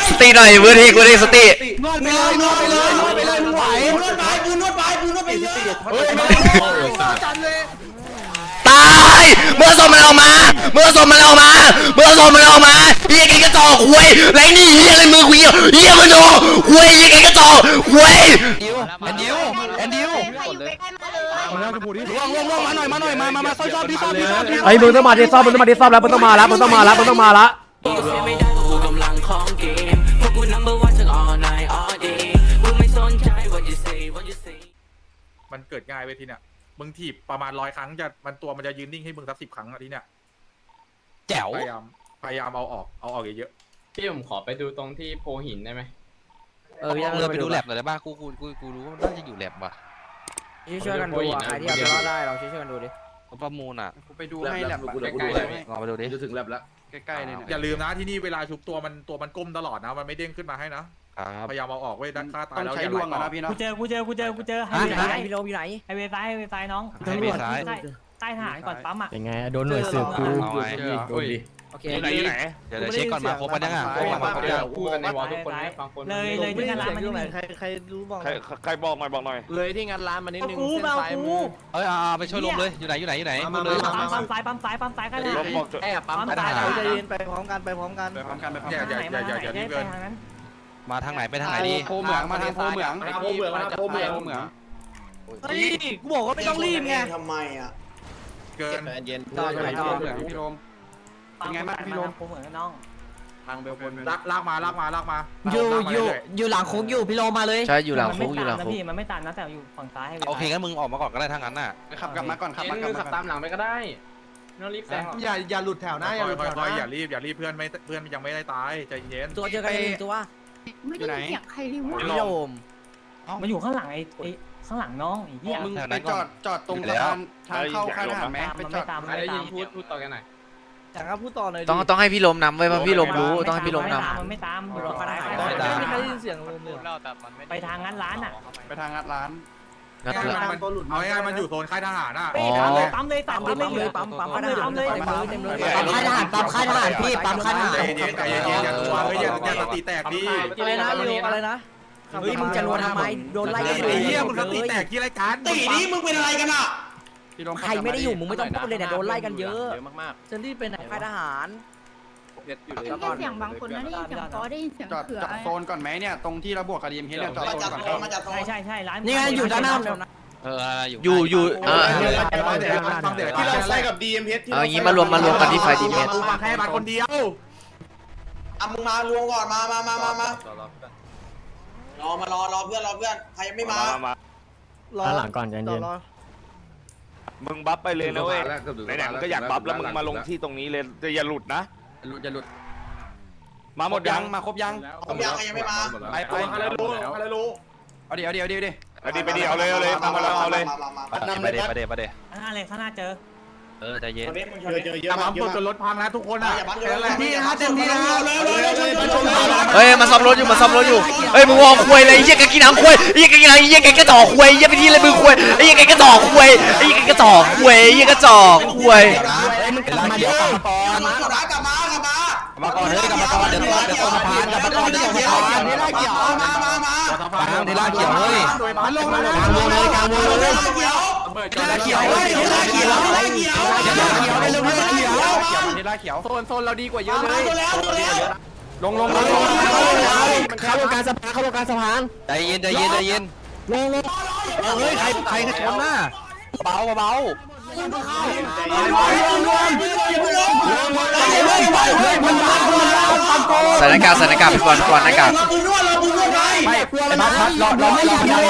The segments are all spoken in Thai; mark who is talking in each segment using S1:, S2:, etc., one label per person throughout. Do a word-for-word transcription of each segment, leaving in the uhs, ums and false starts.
S1: สติหน่อยเวอร์ทีเวอร์ทีสติ
S2: นวดไปเลยนวดไปเลยนวดไปเลยมึงไหวนวดไปกูนวดไปกูนวดไปเยอะ
S1: ตายเมื่อสมมันออกมาเมื่อสมมันออกมาเมื่อสมมันออกมาเฮียไก่กระจอกคุยไรนี่เฮียอะไรมือคุยเฮียมันโดคุยเฮียไก่กระจอกคุย
S2: แอนดิวแอนดิวมาแล้วจะพูดดิลงลงลงมาหน่อยมาหน่อยมามามาซ่อมซ่อมดิซ่อมดิซ่อมดิ
S3: ไอ้มึงต้องมาดิซ่อมมึงต้องมาดิซ่อมแล้วมึงต้องมาแล้วมึงต้องมาแล้วมึงต้องมาแล้ว
S4: มันเกิดง่ายเว้ยทีเนี้ยมึงถีบประมาณร้อยครั้งจะมันตัวมันจะยืนนิ่งให้มึงสักสิบครั้งอะทีเนี้ย
S2: แจ๋ว
S4: พยายามพยายามเอาออกเอาออกเยอะ
S5: ๆพี่ผมขอไปดูตรงที่โพหินได้ไหม
S2: เออพี่เราไปดูแลบหน่อยได้ป่ะกูกูกูกูรู้ว่ามันน่าจะอยู่แลบว่ะ
S6: ช่วยกันดูอ่ะใครที่เอาไปรอดได้เราช่วยกันดูดิ
S2: ประมูลอ่ะ
S6: กูไปดูให้แลบ
S5: ใกล้ๆเลย
S2: ลองไปดูดิ
S6: จะถึงแลบแล้ว
S2: ใกล้ๆเลย
S4: อย่าลืมนะที่นี่เวลาชุบตัวมันตัวมันก้มตลอดนะมันไม่เด้งขึ้นมาให้นะพยายามเอาออกเว้ยด้านข้าตายแล้วอย่าไหลต่อ
S7: กูเจอกูเจอกูเจอกูเจอไฮเวย์ซ้ายพี่โรมอยู่ไหนไฮเวย์ซ้ายไฮเวย์ซ้ายน้อง
S2: ไฮเวย์ซ้าย
S7: ใต้ฐานก่อนปั๊มอ่ะ
S3: ยังไงโดนหน่วยสืบกู
S2: โอเคไหนอยู่ไหนเดี๋ยวเช็คก่อนมาครบปะเนี่ยครบมาครบยัง
S5: พูดกันในวอลทุกคนฟังคน
S7: เลยเลยที่งานร้านมันนี่
S6: ใครใครรู้บอก
S5: ใครใครบอกหน่อยบอกหน่อย
S6: เลยที่งานร้านมันนิดนึงเส้นสายมือ
S2: เอ้ยไปช่วยลมเลยอยู่ไหนอยู่ไหนอยู่ไหนเลย
S7: ปั๊มซ้ายปั๊มซ้ายปั๊มซ้ายกันเลย
S6: แอบปั๊มซ้ายเราจะยืนไปพร้อมกันไปพร้อมกัน
S2: ไปพร้อมกันไปพร้อม
S4: กันอย่าอย่าอย่าอย่ารีบเกิน
S2: มาทางไหนไปทางไหนดี
S6: โพเหมืองมาทางโพเหมืองโพเหมืองโพเหมืองโพเหมืองเฮ้ยกูบอกว่าไม่ต้องรีบไง
S8: ทำไมอ่ะ
S4: เกิน
S6: เย็นต่อไปต่อเหมืองพี่โรม
S7: เป็นไงบ้างพี่โรมโพเหมืองน้อง
S6: ทางเบลคน
S4: ลากลากมาลากมาลากมา
S6: อยู่อยู่อยู่หลังคุกอยู่พี่โรมมาเลย
S3: ใช่อยู่หลังคุกอยู่หลังคุก
S7: พี่มันไม่ตันนะแต่อยู่ฝั่งซ้าย
S2: โอเคงั้นมึงออกมาก่อนก็ได้ทางนั้นน่ะ
S6: ขับกลับมาก่อนขับมา
S5: ขับตามหลังไปก็ได้น้องรีบแซง
S6: อย่าอย่าหลุดแถวหน้าอย่าหลุดแถวหน้า
S4: อย่ารีบอย่ารีบเพื่อนไม่เพื่อนยังไม่ได้ตายใจเย็น
S6: ตัวเจอกันเองตัว
S9: ไม่ได้เสียงใครเลยว่า
S6: พี่โรม
S7: มันอยู่ข้างหลังไอ้ข้างหลังน้องไอ้เหี้ย
S6: มึงไปจอดจอดตรงสะพานทางเข้าค่ายทหารไหมไปจอด
S7: ใครได้ยินพูดพูดต่อกันหน่อย
S6: จากก็พูดต่อหน่อย
S3: ต้องต้องให้พี่ลมนำไว้เพราะพี่ลมรู้ต้องให้พี่ลมน
S7: ำมันไม่ตามอยู่รอก็ได้
S6: ไม่ใครได้ยินเสียงลมเลย
S7: ไปทางงัดร้านอ่ะ
S6: ไปทางงัดร้าน
S3: งัดร้าน
S4: เอาง่ายมันอยู่โซนค่ายทหารอ่ะ
S7: ปั๊มเลยปั๊มเลย
S6: ปั๊มปั๊มปั๊มเลยปั๊มเลย
S7: เต็มเลย
S6: ปั๊มค่ายทหารปั๊มค่ายทหารพี่ปั๊มค่ายทหาร
S4: ใจเย็นใจเย็นอย่าตัวเฮ้ยอย่าอย่าสติแตกดิ
S6: อะไรนะเร็วอะไรนะเฮ้ยมึงจะรัวทำไมโดนไล่
S4: ไอ้เหี้ยมึงสติแตกที่รายการ
S8: ตีนี้มึงเป็นอะไรกันอ่ะ
S6: ใครไม่ได้อยู่มึงไม่ต้องพูดเลยเนี่ยโดนไล่กันเยอะมากๆจะรีบไปไหนค่ายทหาร
S9: ได้ยินเสียงบางคนนะได้ยินเสียงก็ได้ยินเสียงเขือ
S6: จอดโซนก่อนไหมเนี่ยตรงที่เราบวกกับดีเอ็มเฮดเนี่ยจอดโซนก่อน
S7: ใช่ใช่ใช่ร้าน
S6: นี่ไงอยู่ด้านหน้า
S2: เออ
S3: อยู่อยู่เออ
S8: ที่เราใส่กับดีเอ็มเฮด
S3: เอางี้มารวมมารวมกันที่ไฟดีเมท
S4: มาแค่มาคนเดียว
S8: อ่ะมึงมารวมก่อนมามามามามารอมารอรอเพื่อนรอเพื่อนใครยังไม่มาร
S3: อหลังก่อนเย็น
S5: มึงบัฟไปเลยนะเว้ยไหนๆมึงก็อยากบัฟแล้วมึงมาลงที่ตรงนี้เลยจะอย่าหลุดนะ
S6: หลุดจะหลุด
S5: มาหมดยัง
S6: มาครบยัง
S8: ครบยังใครยังไม่มา
S6: ไปไป
S4: อะไรรู้อะไรรู้
S6: เอาดิเอาดิเอาดิเอาดิ
S5: เอาดิไปดิเอาเลยเอาเลยมามาเอาเลย
S2: ไปเดี๋ยวไปเดี๋ยวไปเดี๋ยว
S7: อะไรข้างหน้าเจอ
S2: เออใจเย็น
S8: เจอเจอเยอะ
S4: มากจนรถพังนะทุกคนอ่ะ
S6: ที่นะเต็มที่นะ
S3: เฮ้ยมาซ่อมรถอยู่มาซ่อมรถอยู่เฮ้ยมึงวอคุยเลยเยี่ยกกินหางคุยเยี่ยกกินหางเยี่ยกกระจอกคุยเยี่ยไปที่อะไรมึงคุยเยี่ยกกระจอกคุยเยี่ยกระจอกคุยเยี่ยกระจอกคุย
S6: มึงกลับมาเดี๋ยวกลับมาก่อน
S8: มากลับมากลับมา
S6: มาก่อนเฮ้ยกลับมาก่อนเดี๋ยวเดี๋ยวส่งสะพานกลับมาก่อนเดี๋ยวส่งสะพานเดี๋ยวล่าเขียวมามามา
S3: กลางเดี๋ยวล่าเขียวเฮ้ย
S6: มันลงมากลางวงเลยกลางวงเลยล่าเขียวล่าเขียวล่าเขียวล่าเขียวล่าเขียวล่าเขียวล่าเขียวล่าเขียวโซนโซนเราดีกว่าเยอะเลยลงลงลงลง
S3: เข้าวงการสะพานเข้าวงการสะพาน
S2: ใจเย็นใจเย็นใจเย็น
S3: ลงลง
S2: เฮ้ยใครใครชนหน้าเบาเบา
S3: สถานการณ์สถานการณ์พี่บอลก่อนหน้ากาก
S6: ไม่ไอ้บัสบัสรอรอรอรอ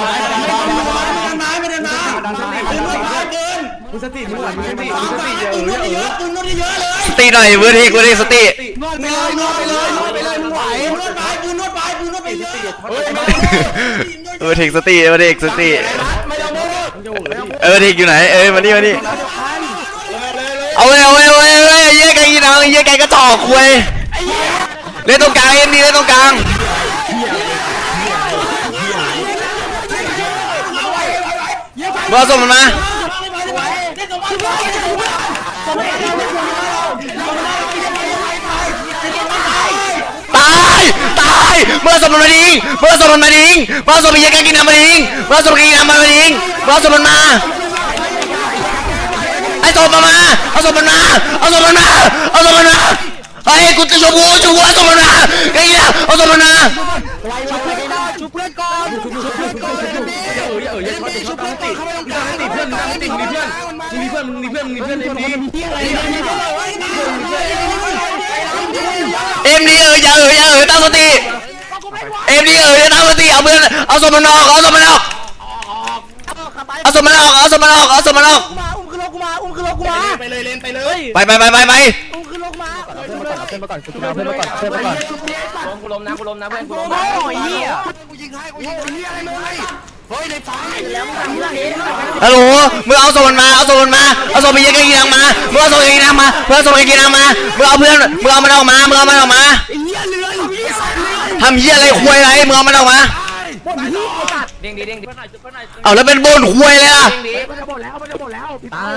S6: มึงสติมึงหลังมึงสติมึงสติเยอะเยอะเยอะมึงนวดเยอะเลย
S3: สติหน่อยเวอร์ทีเวอร์ทีสติ
S6: นวดไปเลยนวดไปเลยนวดไปเลยมึงไหวนวดไปมึงนวดไปมึงนวดไปเยอะ
S3: เวอร์ทีสติเวอร์ทีสติเออทีอยู่ไหนเอ้ยมานี่มานี่เอาเลยเอาเลยเอาเลยเยี่ยไก่กินหางเยี่ยไก่กระจอกคุยเล่นตรงกลางเอ็นดีเล่นตรงกลางเมื่อส่งมันมาตาย
S1: เมื่อสมมันมาดิงเมื่อสมมันมาดิงเมื่อสมมันยังกินน้ำมาดิงเมื่อสมมันกินน้ำมาดิงเมื่อสมมันมาไอ้สมมันมาเอาสมมันมาเอาสมมันมาเอาสมมันมาไอ้กูจะชมกูชมกูเอาสมมันมาไอ้เหี้ยเอาสมมันมา
S6: ชุบเพื่อนก่อนชุบเพื่อนก่อนเออเอออย่าช็อตอย่าช็อตตั้งติเข้าไปตรงกลางติเพื่อนตั้งติมีเพื่อนมีเพื่อนมึงมีเพื่อนมึงมีเพื่อนเอ็มดี
S1: เอ็มดีเอออย่าเอออย่าเออตั้งสติเอ็มดีเอออย่าตั้งสติเอาเพื่อนเอาสมมันออกเอาสมมันออกเอาสมมันออกเอาสมมันออกเอาสมมันออก
S6: อุ้มขึ้นรถกูมาอุ้มขึ้นรถกูมาไปเลยเลนไปเลย
S1: ไปไปไปไปไป
S6: อุ้มขึ้นรถมา
S2: เพื่อนมาก่อนเพื่อนมาก่อนเพื่อนมาก่อนเพื่อนมาก่อน
S6: กูล้มนะกูล้มนะเพื่อนกูล้มนะโอ้ยเหี้ยกูยิงให้กูยิงเหี้ยอะไรเลยเฮ้ยในไฟแล้วมึงทำเรื่องนี้
S1: ฮัลโหลมึงเอาสมมันมาเอาสมมันมาเอาสมมันยังกินน้ำมามึงเอาสมมันกินน้ำมาเพื่อนสมมันกินน้ำมามึงเอาเพื่อนมึงเอามันออกมามึงเอามันออกมา
S6: เหี้ยเรือเหี้ย
S1: ทำเหี้ยอะไรควยอะไรมึงเอามันออกมา
S6: เด้งดีเด้งดี
S1: เอาแล้วเป็นบนควยเลยล่ะ
S6: เด้งดีมันจะหมดแล้วมันจะหมดแล้วตาย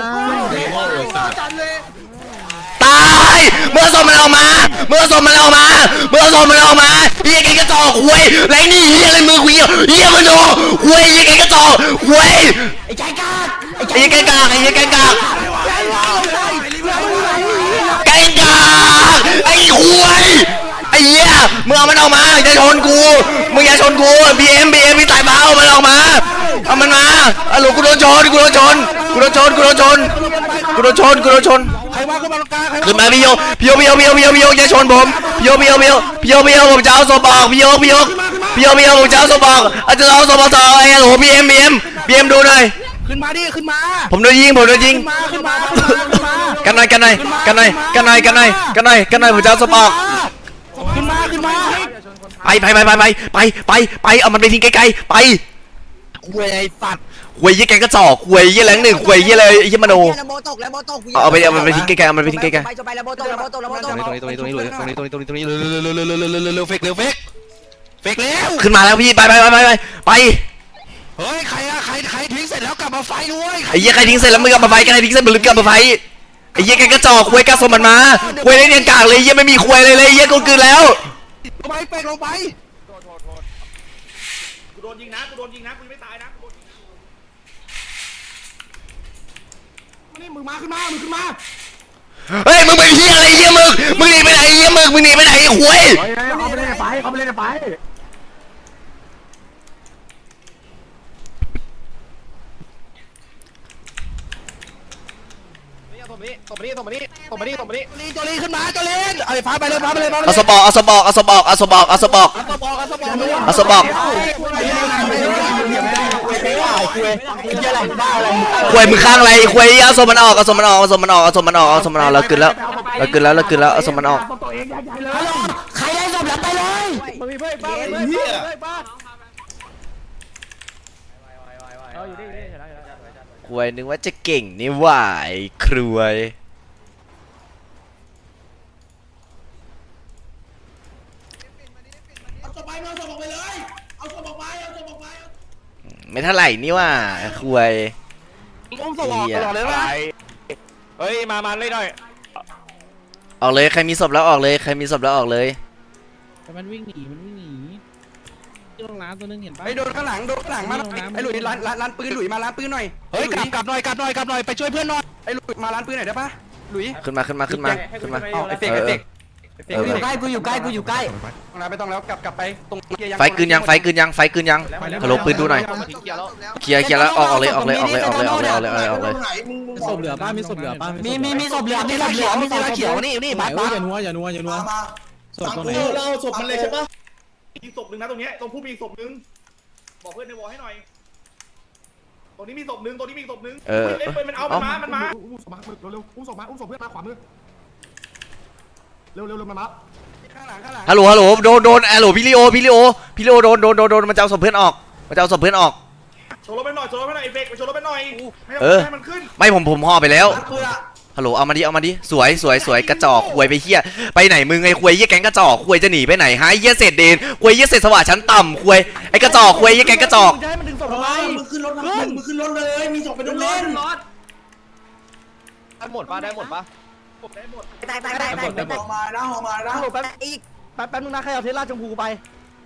S1: ตายมึงเอาสมมันออกมามึงเอาสมมันออกมามึงเอาสมมันออกมาเหี้ยแกกระจอกควยไรนี่เหี้ยอะไรมือคุยเหี้ยมันโดควยเหี้ยแกกระจอกควย
S6: ไอ้ใจกาก
S1: ไอ้เหี้ยแกกากไอ้เหี้ยแกกากแกกากไอ้ควยไอ้เหี้ยมึงเอามันออกมาอย่าชนกูมึงอย่าชนกูบีเอ็มบีเอ็มพี่สายฟ้าเอามันออกมาเอามันมาอะโหลกูโดนชนกูโดนชนกูโดนชนกูโดนชนกูโดนชนกูโดนชน
S6: ใครว่าขึ้นมาตรงกลางใคร
S1: ขึ้นมาพี่โยพี่โยพี่โยพี่โยพี่โยพี่โยอย่าชนผมพี่โยพี่โยพี่โยพี่โยพี่โยผมจะเอาศพออกพี่โยพี่โยพี่โยพี่โยผมจะเอาศพออกอาจจะเอาศพออกต่อไอ้โหลบีเอ็มบีเอ็มบีเอ็มดูหน่อย
S6: ขึ้นมาดิขึ้นมา
S1: ผมโดนยิงผมโดนยิง
S6: มาขึ้นมาขึ้นมา
S1: กันหน่อยกันหน่อยกันหน่อยกันหน่อยกันหน่อยกันหน่อยกันหน่อยผมจะเอาศพออก
S6: ขึ้นมาขึ้นมา
S1: ไปไปไปไปไปไปไปไปเอามันไปทิ้งไกลๆไป
S6: เว้ยไอ้สัตว์
S1: หวยยี่แกก็จ่อหวยยี่แรงหนึ่งหวยยี่อะไรยี่มโน
S8: โบตกแล้วโบตก
S1: เอาไปเอามันไปทิ้งไกลๆเอามันไปทิ้งไกล
S8: ไปจะไปแล้วโบตกแล้วโบตกแล้วโบตก
S6: ตรงนี้ตรงนี้ตรงนี้ตรงนี้ตรงนี้ตรงนี้ตรงนี้ตรงนี้เร็วเร็วเร็วเร็วเร็วเร็วเร็วเร็วเฟกเร็วเฟกเฟกเร็ว
S1: ๆขึ้นมาแล้วพี่ไปไปไปไปไปไป
S6: เฮ้ยใครอะใครใครทิ้งเสร็จแล้วกลับมาไฟด้วย
S1: ไอ้ยี่ใครทิ้งเสร็จแล้วมึงกลับมาไฟกันใครทิ้งเสร็จมึงกลับมาไฟไอ้ยี่แกก็จ่อหวยกระสมมันมาหวยได้เนียนกากเลยยี่ไม่มีหวยเลยเลยยี่กูคืนแล้ว
S6: ลงไปเฟกลงไป
S4: กูโดนยิงนะกูโดนยิงนะกูไม่ตายนะ
S6: นี่มึงมาขึ้นมามึงขึ้นมา
S1: เฮ้ยมึงเป็นเหี้ยอะไรเหี้ยมึงมึงหนีไปไหนเหี้ยมึงมึงหนีไปไหนไอ้หวย
S2: เขาไปเล่นไปเขาไปเล่นไป
S6: ตบมาดิตบมาดิตบมาดิตบมาดิลีโจลีขึ้นมาโจลีไอ้ฟ้าไปเลยฟ้าไปเลยฟ้าไปเลย
S1: เอาสปอกเอาสปอกเอาสปอกเอาสปอกเอาสปอก
S6: เอาสปอร์เอาสปอร์
S1: เอาสปอกหวยมึงข้างอะไรหวยเอาสมมันออกเอาสมมันออกเอาสมมันออกเอาสมมันออกเอาสมมันออกเรากินแล้วเรากินแล้วเรากินแล้วเอาสมมันออก
S6: ใครได้ศพแล้วไปเลยมันมีเพื่อนบ้าเพื่อนบ้า
S1: หวยนึกว่าจะเก่งนี่หว่าไอ้ครวย
S8: เอาศพไปเอาศพออกไปเลยเอาศพออกไปเอาศพออกไป
S1: ไม่เท่าไหร่นี่หว่าครวย
S6: อุ้มศพออกตลอดเลยว่ะเฮ้ยมามาเลยหน่อย
S1: ออกเลยใครมีศพแล้วออกเลยใครมีศพแล้วออกเลย
S7: แต่มันวิ่งหนีมันวิ่งหนีที่โรงน้ำตัวนึงเห็นปะ
S6: ไอ้โดนข้างหลังโดนข้างหลังมาไอ้หลุยร้านร้านร้านปืนหลุยมาร้านปืนหน่อยเฮ้ยกลับกลับหน่อยกลับหน่อยกลับหน่อยไปช่วยเพื่อนหน่อยไอ้หลุยมาร้านปืนหน่อยได้ปะหลุย
S1: ขึ้นมาขึ้นมาขึ้นมาขึ้นมา
S6: ไอ้เฟกไอ้เฟก
S1: เออ
S8: กูอยู่ใกล้กูอยู่ใกล้กูอยู่ใกล้
S6: ไม่ต้องแล้วกลับกลับไปตรง
S1: ไฟกลืนยังไฟกลืนยังไฟกลืนยังฮัลโหลปืนดูหน่อยเคลียร์เคลียร์แล้วออกออกเลยออกเลยออกเลยออกเลยออกเลยออกเลยออกเลยออกเลย
S7: มีศพเหลือป้ามีศพเหลือป้า
S8: มีมีมีศพเหลือมีศพเหลือมีศพเขียวนี่นี่
S7: ไป
S8: บ้า
S7: อย่านัวอย่านัวอย่านัว
S8: มา
S7: ศพตัวไหน
S4: เราศพมันเลยใช่ปะมีศพหนึ่งนะตรงนี้ตรงผู้มีศพหนึ่งบอกเพื่อนในวอลให้หน่อยตรงนี้มีศพหนึ่งตรงนี้มีศพหนึ่ง
S1: เออ
S4: เล่นปืนมันเอามันมามันมา
S2: อุ้มศพมาเร็วๆอุ้มศพมาอุ้มศพเพื่อนมาขวามือเร็วเร็วเร็วมามา
S6: ข้างหลังข้างหลัง
S1: ฮัลโหลฮัลโหลโดนโดนฮัลโหลพี่ลิโอพี่ลิโอพี่ลิโอโดนโดนโดนโดนมันจะเอาศพเพื่อนออกมันจะเอาศพเพื่อนออก
S4: โชว์รถไปหน่อยโชว์รถไปหน่อยไอ้เฟกไปโชว์รถไปหน่อยไม่
S1: เออ
S4: ให้มันขึ้น
S1: ไม่ผมผมห่อไปแล้วฮัลโหลเอามาดิเอามาดิสวยสวยสวยกระจอกควยไปเฮียไปไหนมึงไอ้ควยเฮียแก๊งกระจอกควยจะหนีไปไหนฮะเฮียเศษเดนควยเฮียเศษสว่างชั้นต่ำควยไอ้กระจอกควยเฮียแก๊งกระจอก
S6: จะให้มันดึงศพทำไม
S8: มึงขึ้นรถมึงขึ้นรถเลยมีศพไปโดนเล่น
S6: ได้หมดปะได้หมดปะ
S8: ตายตายตายตายหอมานะหอมานะ
S6: แป๊บอีกแป๊บแป๊บนึงนะใครเอาเทสลาชมพูไป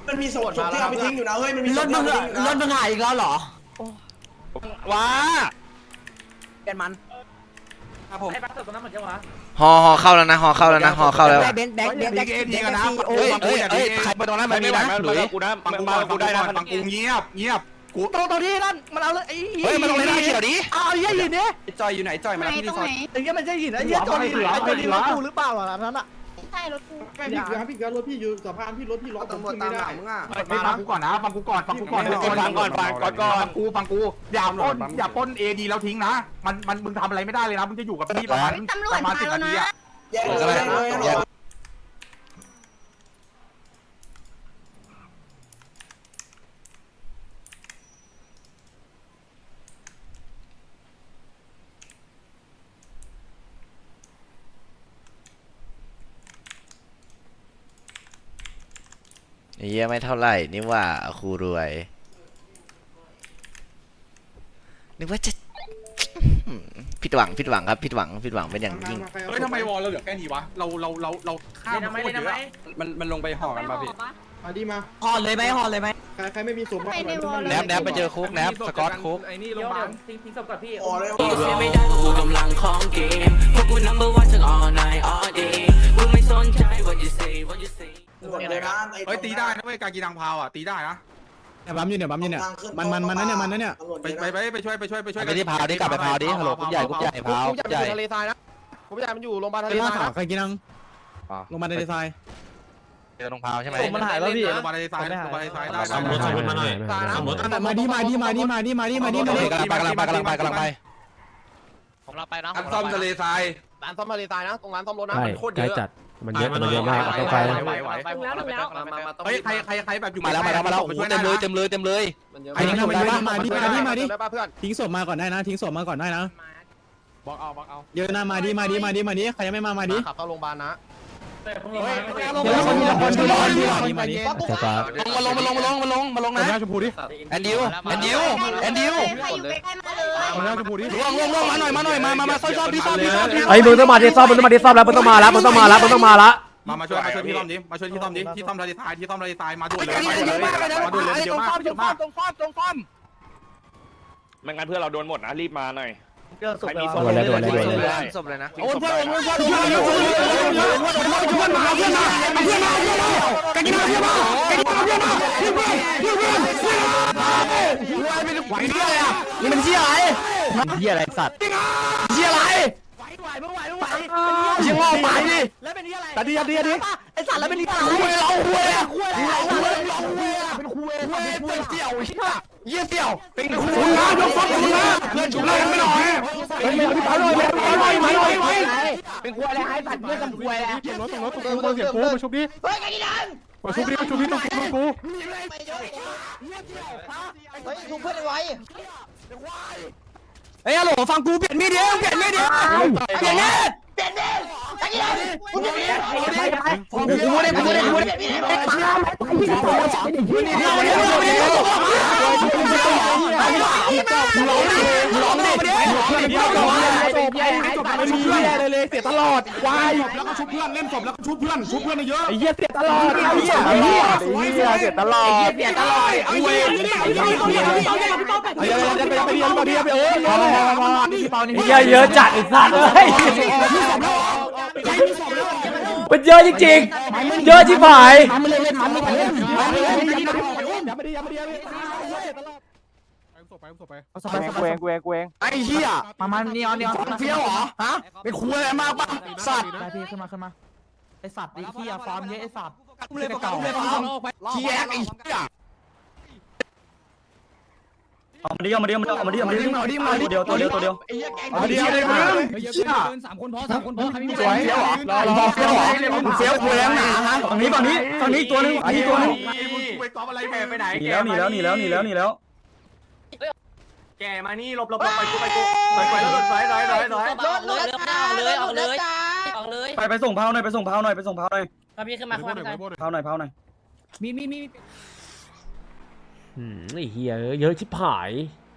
S8: มันมีศพที่เอาไปทิ้งอยู่นะเฮ้ยมันมีศพที่เอาไปทิ้งอยู่นะ
S6: รถมึงหายอีกแล้วเหรอ
S5: ว้า
S6: เป็นมันครับผม
S3: ฮอฮอเข้าแล้วนะฮอเข้าแล้วนะฮอเข้าแล้ว
S6: แบงค์แบงค์แบงค์แบงค์
S2: เอ็นดีกันนะ
S6: โอ้ยเอ้ยเอ้ยใครไปตรงนั้นมันมีนะ
S5: หลุยกูนะมึงมากูได้นะ
S2: ฟังกูเงียบเงียบกู
S6: ตรงตรงที่นั่นมันเอาเลยไอ้
S2: เฮ้ยมาลงในหน้าเขียวดิ
S6: เอาไอ้ยี่หินเนี่ย
S2: จอยอยู่ไหนจอยมา
S9: ไหน
S2: ที่
S9: ต
S2: รี
S9: รง
S2: สอ
S9: ไหน
S2: ร์ท
S6: ไอ้ยี่มันจะหินไอ้ยี่จอนี่ไอ้จอนี่รถกูหรือเปล่าล่ะนั้นอ่ะ
S9: ใช่รถกู
S4: ไม่พี่ครับพี่ครับรถพี่อยู่สะพานพี่รถพี่ล็อกตำรวจตามหลังมึงอ่ะ
S2: ไม่ฟังกูก่อนนะฟังกูก่อนฟังกูก่อน
S5: ฟังก่อนฟังก่อนก่อน
S2: ฟังกูฟังกูอย่าปล้นอย่าปล้นเอดีแล้วทิ้งนะมันมันมึงทำอะไรไม่ได้เลยนะมึงจะอยู่กับพี่ประมาณ
S9: ตำรว
S2: ป
S9: จ
S2: ระมาณ
S9: มา
S2: สิบ
S9: แล้ว
S2: นาที
S9: นะ
S2: อะ
S8: แยกเลยแยกเลย
S3: ไอ้เหี้ยไม่เท่าไหร่นี่ว่าครูรวยนึกว่าจะผิดหวังผิดหวังครับผิดหวังผิดหวังเป็นอย่างยิ่ง
S2: เฮ้ยทำไมวอลเราเหลือแค่นี้วะเราเราเราเราข้ามโคตรเยอะ
S6: มันมันลงไปห่อกันป่ะพี่
S4: มาดีมา
S6: ห่อเลยไหมห่อเลยไหม
S4: ใครใครไม่มีศพ
S9: ใครในวอล
S2: แนบแนบไปเจอคุกแนบสกอตคุก
S6: ไอ้นี่โรงพยาบาล
S8: โอ้เลย
S10: ไม่ได้กูกำลังของเกมพวกกู number one ทั้ง all night all day กูไม่สนใจ what you say what you say
S8: เลยนะ
S2: เฮ้ยตีได้นะเว้ยการกินทางพาวอ่ะตีได้นะ
S7: เนี่ยบัมอยู่เนี่ยบัมอยู่เนี่ยมันมันมันนั่นเนี่ยมันนั่นเนี่ย
S2: ไปไปไปไปช่วยไปช่วยไปช่วย
S6: ไปที่พาวดิกลับไปพาวดิฮัลโหลกรุ๊ปใหญ่กรุ๊ปใหญ่พาว
S7: กูจะไปทะเลทรายนะกูจะมันอยู่โรงพยาบาลทะเลทรายใครกินนังโรงพยาบาลทะเลทราย
S6: เจอตรงพาวใช่ไหม
S2: มันหายแล้วพี่ลงมาในซ้ายลงมาในซ้ายได้
S7: สมมติสมมติมาหน่อยมาดิมาดิมาดิมาดิมาดิมาดิมาดิ
S6: กำลังไปกำลังไปกำลังไปกำลังไป
S10: ผมเราไปนะ
S2: อันซ่อมทะเลทราย
S7: ร้านซ่อมทะเลทรายนะตรงร้านซ่อมรถนะ
S11: ใช่
S7: มันโคตร
S11: ใก
S7: เย
S11: ล้
S7: อะ
S11: จัดมันเยอะมันเยอะมากต้องไป
S2: ไหวไหว เฮ้ยใครใครใครแบบอยู่
S6: มาแล้วมาแล้วมาแล้วโอ้โหเต็มเลยเต็มเลยเต็มเลย
S7: ไอ้นี่มาดิมาดิมาดิมาดิทิ้งศพมาก่อนได้นะทิ้งศพมาก่อนได้นะ
S2: บอกเอาบอกเอา
S7: เยอะนะมาดิมาดิมาดิมาดิใครยังไม่มามาดิ
S2: ขับเข้าโรงพยาบาลนะ
S7: เดี๋ยวคนละคนละคนละคนมาดิ
S11: จะฟ้า
S6: มาลงมาลงมาลงมาลงมาลงนะ
S7: หน้าชมพูดิ
S6: แอนดิวแอนดิวแอนดิว
S9: ใครอยู่ใกล้ๆมาเลย
S7: หน้าชมพูดิ
S6: ล่วงล่วงล่วงมาหน่อยมาหน่อยมามามาซ่อมซ่อมที่ซ่อมที่ซ่อมที่
S11: ไอ้มึงต้องมาที่ซ่อมมึงต้องมาที่ซ่อมแล้วมึงต้องมาแล้วมึงต้องมาแล้วมึงต้องมาละ
S2: มามาช่วยมาช่วยที่ซ่อมดิมาช่วยที่ซ่อมดิที่ซ่อมทะเลทรายที่ซ่อมทะเลทรายมาด่วนเลย
S6: เย
S2: มาด่วน
S6: อะ
S2: เลย
S6: มากเลยนะ
S2: มาด่วนเลย
S6: ต
S2: เย
S6: ร
S2: อะ
S6: ง
S2: มาก
S6: ซ่อม
S2: เย
S6: ตรง
S2: อะ
S6: ซ่อ
S2: มาม ก
S6: ตรงซ่อมตรงซ่อม
S5: ไม่งั้นเพื่อนเราโดนหมดนะรีบมาหน่อยใครมีศพ
S11: ด่วนเลยด่วนเลยด่วนเลย
S3: ศพเลยนะ
S6: โอนเพื่อนโอนเพื่อนโอนเพื่อนโอนเพื่อนโอนเพื่อนมาเพื่อนมาเพื่อนมาเพื่อนมากันกินมาเพื่อนมากันกินมาเพื่อนมาเพื่อนเพื่อนเพื่อนเพื่อนเพื่อนไม่ไหวเหี้ยอะไรอ่ะนี่มันเหี้ยอะไร
S11: เหี้ยอะไรสัตว์
S6: เหี้ยอะไรไหวไหวไม่ไหวไม่ไหวเหี้ยงอไปดิแล้วเป็นเหี้ยอะไรตัดดิตัดดิตัดดิไอ้สัตว์แล้วเป็นเหี้ยอะไรคุยเราคุยอ่ะคุยเราคุยเราคุยอ่ะเป็นคุยคุยเป็นเสี่ยวเหี้ยเหี้ยเสี่ยวเป็นคุยนะยกฟ้องคุณนะเพื่อนชุบเลยกันไม่หน่อยเป็นไม่พี่ปาหน่อยพี่ปาหน่อยมาหน่อยมาเป็นคุยอะไรไอ้สัตว์เพื่อนกับคุยอะไร
S7: เสียงรถเสียงรถตรงกูเสียงกูมาชุบดิ
S8: เฮ้ยกันดิดัน
S7: มาชุบดิมาชุบดิตรงกูตรงกู
S8: เฮ้ยทุกเพื่อนไว้
S6: เฮ้ยฮัลโหลฟังกูเปลี่ยนมีดเดียวเปลี่ยนมีดเดียวเปลี่ยนมีด
S8: เปลี่ยนดิกันดิดันมึงเปลี่ยนดิ
S6: กูกูไม่ได้กูไม่ได้กูไม่ได้ไอ้ข้าวกูนี่เราเนี่ยเราเนี่ยร้องดิร้องดิร้องดิ
S7: ไม่มีเหี้ยอะไรเลยเสียตลอดวายแล้วก็ชุบเพื่อนเล่นศพแล้วก็ชุบเพื่อนชุบเพื่อนเยอะไอ้เหี้ยเสียตลอดไอ้เหี้ยไอ้เหี้ยไอ้เหี้ยเสียตลอด
S6: ไอ้เหี้ยเปลี่ยนตลอด
S7: ไอ้เหี้ยไอ้เหี้ยไอ้เหี้ยไอ้เหี้ยไอ้เหี้ยไอ้เหี้ยไปไปไปเรียนมาเรียนไปเออมามามาพี่เปานี่
S11: เหี้ยเยอะจัดไอ้สัตว์เอ้ยมันเยอะจริงๆเยอะชิบหาย
S7: มันเลยเล่นมันไม่เล่นมันไม่เล่นอย่ามาดิอย่ามาดิอย่ามาดิไปไปไป
S6: กูเองกูเองกูเองไอ้เหี้ยมามานี่ออนนี่ออนเฟี้ยวเหรอฮะเป็นคุยอะไรมากป่ะสัตว์ได้พี่ขึ้นมาขึ้นมาไอ้สัตว์ไอ้เหี้ยฟาร์มเยอะไอ้สัตว์เลยเก่าเหี้ยไอ้เหี้ยเอามาดิเอามาดิเอามาดิเอามาดิเอามาดิเอามาดิเดียวตัวเดียวตัวเดียวเอามาดิเอามาดิเชี่ย
S7: สามคนพอสามคนพอใครไม่มี
S6: สวยเฟี้ยวเหรอรอเฟี้ยวเหรอเฟี้ยวคุยแล้วหนาฮะฝั่งนี้ฝั่งนี้ฝั่งนี้ตัวนึงอันนี้ตัวนึง
S2: ไปกอล์ฟอะไรแกไปไหน
S6: หนีแล้วหนีแล้วหนีแล้วหนีแล้วหนีแล้ว
S2: แกมานี่หลบหลบหลบไปกูไปกูไปไปแล้วไปไปไปไป
S10: ออกเลยออกเลยออกเลยออกเลย
S6: ไปไปส่งเผาหน่อยไปส่งเผาหน่อยไปส่งเผาหน่อย
S10: มาพี่ขึ้นมาขึ้นมา
S6: เผาหน่อยเผาหน่อย
S7: มีมีมี
S11: อืมไอ้เหี้ยเยอะชิบหาย